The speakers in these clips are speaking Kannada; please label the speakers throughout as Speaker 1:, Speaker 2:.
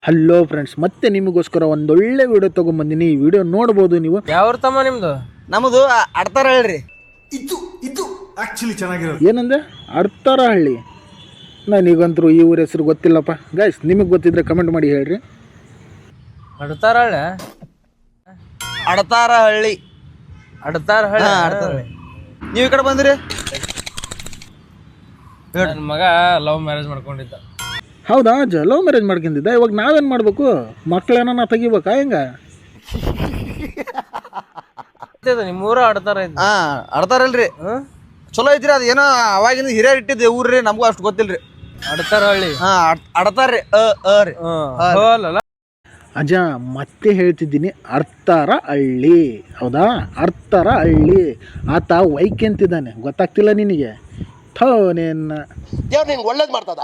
Speaker 1: ಹಲೋ ಫ್ರೆಂಡ್ಸ್, ಮತ್ತೆ ನಿಮಗೋಸ್ಕರ ಒಂದೊಳ್ಳೆ ವಿಡಿಯೋ ತೊಗೊಂಬಂದಿನಿ. ಈ ವಿಡಿಯೋ ನೋಡ್ಬೋದು ನೀವು.
Speaker 2: ಯಾವ ತಮ್ಮ ನಿಮ್ದು?
Speaker 3: ನಮ್ಮದು ಅಡ್ತಾರ ಹೇಳ್ರಿ.
Speaker 4: ಇದು ಆಕ್ಚುಲಿ ಚೆನ್ನಾಗಿರೋದು.
Speaker 1: ಏನಂದೆ? ಅಡ್ತಾರಹಳ್ಳಿ. ನನಗಂತರೂ ಈ ಊರ ಹೆಸರು ಗೊತ್ತಿಲ್ಲಪ್ಪ. ಗೈಸ್, ನಿಮಗೆ ಗೊತ್ತಿದ್ರೆ ಕಮೆಂಟ್ ಮಾಡಿ ಹೇಳ್ರಿ.
Speaker 2: ಅಡ್ತಾರಹಳ್ಳಿ.
Speaker 3: ಅಡ್ತಾರ ಹಳ್ಳಿ.
Speaker 2: ಅಡ್ತಾರಹಳ್ಳಿ.
Speaker 3: ನೀವು ಈ ಕಡೆ ಬಂದ್ರಿ?
Speaker 2: ನನ್ನ ಮಗ ಲವ್ ಮ್ಯಾರೇಜ್ ಮಾಡ್ಕೊಂಡಿದ್ದ.
Speaker 1: ಹೌದಾ? ಲವ್ ಮ್ಯಾರೇಜ್ ಮಾಡ್ಕೊಂಡಿದ್ದ. ಇವಾಗ ನಾವೇನು ಮಾಡಬೇಕು? ಮಕ್ಕಳೇನ ತೆಗಿಬೇಕಾ ಹೆಂಗ?
Speaker 2: ನಿಮ್ಮೂರ ಅಡ್ತಾರ ಇದ್ದ.
Speaker 3: ಅಡ್ತಾರಲ್ರಿ. ಚಲೋ ಐತ್ರಿ. ಅದು ಏನೋ ಅವಾಗಿಂದ ಹಿರಿಯರ್ ಇಟ್ಟಿದ್ದೆ ಊರ್ರಿ, ನಮಗೂ ಅಷ್ಟು ಗೊತ್ತಿಲ್ರಿ.
Speaker 2: ಅಡ್ತಾರಹಳ್ಳಿ.
Speaker 3: ಅಡ್ತಾರ್ರಿ. ರೀ
Speaker 1: ಅಜ್ಜ, ಮತ್ತೆ ಹೇಳ್ತಿದ್ದೀನಿ, ಅರ್ತಾರ ಹಳ್ಳಿ. ಹೌದಾ? ಅರ್ತಾರ ಹಳ್ಳಿ. ಆತ ವೈಕೆಂತಿದ್ದಾನೆ, ಗೊತ್ತಾಗ್ತಿಲ್ಲ ನಿನಗೆ? ಥೋನೇನ
Speaker 5: ದೇವ್ರು ನಿನ್ಗೆ ಒಳ್ಳೇದು ಮಾಡ್ತದ.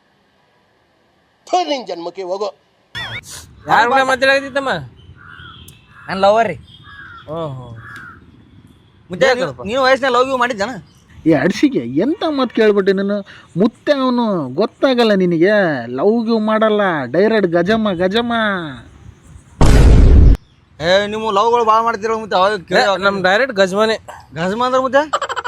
Speaker 5: ನಿನ್ ಜನ್ಮಕ್ಕೆ ಹೋಗೋ.
Speaker 2: ಯಾರ ಕೂಡ ಮಾತಾಡಕತ್ತಿತ್ತಮ್ಮ?
Speaker 3: ನನ್ನ ಲವರ್ ರೀ.
Speaker 2: ಓಹೋ.
Speaker 3: ಮುದ್ದೆ ನೀವು ವಯಸ್ಸಿನ ಲವ್ ಯು ಮಾಡಿದ್ದಾನ?
Speaker 1: ಈ ಅಡ್ಸಿಗೆ ಎಂತ ಮಾತು ಕೇಳ್ಬಿಟ್ಟೆ ನೀನು. ಮುತ್ತೆ ಅವನು, ಗೊತ್ತಾಗಲ್ಲ ನಿನಗೆ? ಲವ್ ಗಿವ್ ಮಾಡಲ್ಲ, ಡೈರೆಕ್ಟ್ ಗಜಮ.
Speaker 3: ನೀವು ಲವ್ಗಳು ಭಾಳ ಮಾಡ್ತೀರ ಮುದ್ದೆ. ಅವಾಗ
Speaker 2: ನಮ್ ಡೈರೆಕ್ಟ್ ಗಜ್ಮನೆ.
Speaker 3: ಗಜಮ ಅಂದ್ರೆ ಮುದ್ದೆ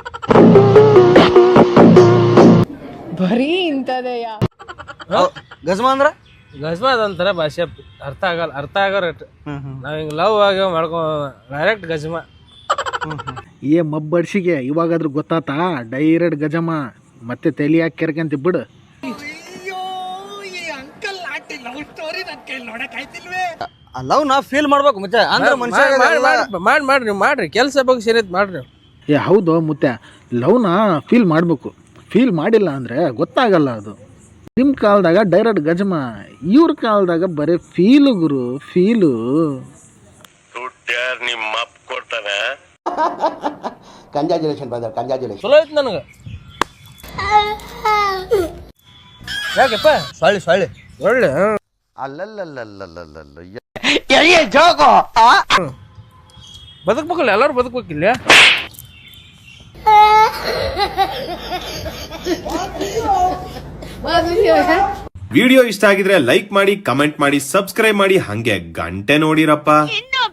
Speaker 6: ಬರೀ ಇಂಥದೆಯ.
Speaker 3: ಗಜಮ ಅಂದ್ರ
Speaker 2: ಗಜ್ಮ ಅದಂತಾರ ಭಾಷೆ, ಅರ್ಥ ಆಗೋ ರೇಟ್. ನಾವ್ ಹಿಂಗ್ ಲವ್ ಆಗಿ ಡೈರೆಕ್ಟ್ ಗಜ್ಮ.
Speaker 1: ಮಬ್ಬಡ್ಸಿಗೆ ಇವಾಗಾದ್ರೂ ಗೊತ್ತಾತಾ? ಡೈರೆಕ್ಟ್ ಗಜಮ. ಮತ್ತೆ ತಲೆ ಹಾಕಿ ಕೆರ್ಕಂತ ಬಿಡು.
Speaker 3: ಲವ್ ನಾ ಫೀಲ್ ಮಾಡ್ಬೇಕು ಮುದ್ದೆ. ಅಂದ್ರೆ ಮನುಷ್ಯ
Speaker 2: ಮಾಡ್ರಿ ಕೆಲ್ಸ ಬಗ್ಗೆ ಸೇರಿತ್ ಮಾಡ್ರಿ.
Speaker 1: ಹೌದು ಮುತ್ತೆ, ಲವ್ನ ಫೀಲ್ ಮಾಡಬೇಕು. ಫೀಲ್ ಮಾಡಿಲ್ಲ ಅಂದರೆ ಗೊತ್ತಾಗಲ್ಲ ಅದು. ನಿಮ್ಮ ಕಾಲದಾಗ ಡೈರೆಕ್ಟ್ ಗಜಮ, ಇವ್ರ ಕಾಲದಾಗ ಬರೀ ಫೀಲು ಗುರು, ಫೀಲು.
Speaker 5: ನಿಮ್ಮ ಅಪ್ಪ ಕೊಡ್ತಾನೆ. Congratulation brother, congratulation.
Speaker 2: ಚಲೋ ಐತಿ ನನಗೆ. ಯಾಕೆಪ್ಪ?
Speaker 3: ಸೊಳ್ಳಿ
Speaker 2: ಒಳ್ಳೆ ಬದುಕ್ಬೇಕಲ್ಲ, ಎಲ್ಲರೂ ಬದುಕ್ಬೇಕಿಲ್ಲ.
Speaker 7: ವಿಡಿಯೋ ಇಷ್ಟ ಆಗಿದ್ರೆ ಲೈಕ್ ಮಾಡಿ, ಕಮೆಂಟ್ ಮಾಡಿ, ಸಬ್ಸ್ಕ್ರೈಬ್ ಮಾಡಿ, ಹಂಗೆ ಗಂಟೆ ನೋಡಿರಪ್ಪ.